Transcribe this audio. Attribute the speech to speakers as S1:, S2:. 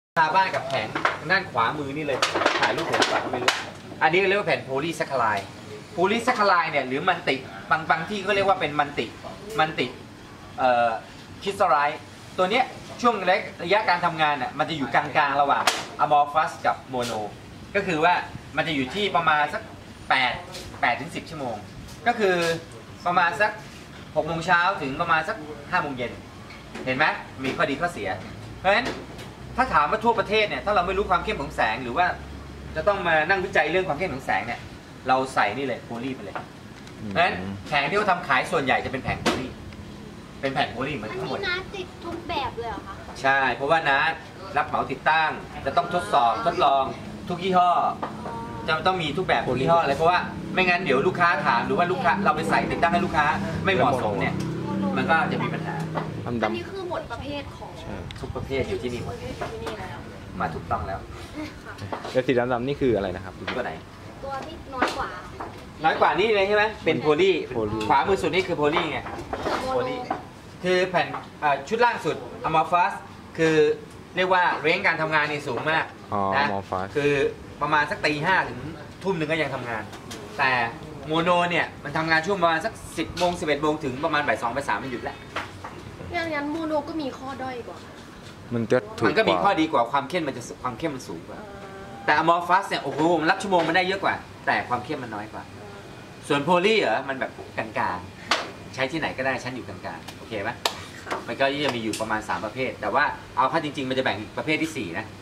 S1: ตาบ้านกับแผงด้านขวามือนี่เลยถ่ายรูปผมก่อนก็ไม่รู้อันนี้เรียกว่าแผ่นโพลีแซคคาไลด์เนี่ยหรือมันติบางที่ก็เรียกว่าเป็นมันติคริสตัลไลท์ตัวเนี้ยช่วงระยะการทำงานน่ะมันจะอยู่กลางๆระหว่างอะมอร์ฟัสกับโมโนก็คือว่ามันจะอยู่ที่ประมาณสัก8 ถึง 10 ชั่วโมงก็คือประมาณสัก6 โมงเช้าถึงประมาณสัก5 โมงเย็นเห็นไหมมีข้อดีข้อเสียเพราะฉะนั้นถ้าถามว่าทั่วประเทศเนี่ยถ้าเราไม่รู้ความเข้มของแสงหรือว่าจะต้องมานั่งวิจัยเรื่องความเข้มของแสงเนี่ยเราใส่นี่เลยโพลีไปเลยเพราะฉะนั้นแผงที่เขาทำขายส่วนใหญ่จะเป็นแผงโพลีเป็นแผ่นโพลีเหมือนทั้งหมด
S2: อันนี้น้าติดทุกแบบเลยเหรอคะ
S1: ใช่เพราะว่าน้ารับเหมาติดตั้งจะต้องทดลองทุกยี่ห้อจะต้องมีทุกแบบทุกยี่ห้อเลยเพราะว่าไม่งั้นเดี๋ยวลูกค้าถามหรือว่าลูกค้าเราไปใส่ติดตั้งให้ลูกค้าไม่เหมาะสมเนี่ยมันก็จะมีปัญหา
S2: อันนี้คือหมดประเภทของ
S1: ทุกประเภทอยู่ที่นี่หมดมาถูกต้องแล้ว
S3: แล้วสีดำๆนี่คืออะไรนะครับ
S1: ตัวไหน
S2: ตัวที่น้อยกว่า
S1: นี่เลยใช่ไหมเป็นโพลีขวามือสุดนี่คือโพลีไงโพลีคือแผ่นชุดล่างสุดอะมอร์ฟัสคือเรียกว่าเร่งการทำงานนี่สูงมากนะคือประมาณสักตี 5 ถึงทุ่มหนึ่งก็ยังทำงานแต่โมโนเนี่ยมันทำงานช่วงประมาณสัก10 โมง 11 โมงถึงประมาณบ่าย 2 บ่าย 3มันหยุดแล้ว
S2: อย่างนั้นโมโนก็มีข้อด้อยกว่า
S1: มันก็มีข้อดีกว่าความเข้มมันสูงกว่าแต่อะมอร์ฟัสเนี่ยโอ้โหมันรับชั่วโมงมันได้เยอะกว่าแต่ความเข้มมันน้อยกว่าส่วนโพลีมันแบบกลางๆใช้ที่ไหนก็ได้ชั้นอยู่กลางๆโอเคไหมมันก็จะมีอยู่ประมาณ3 ประเภทแต่ว่าเอาเข้าจริงๆมันจะแบ่งประเภทที่4นะ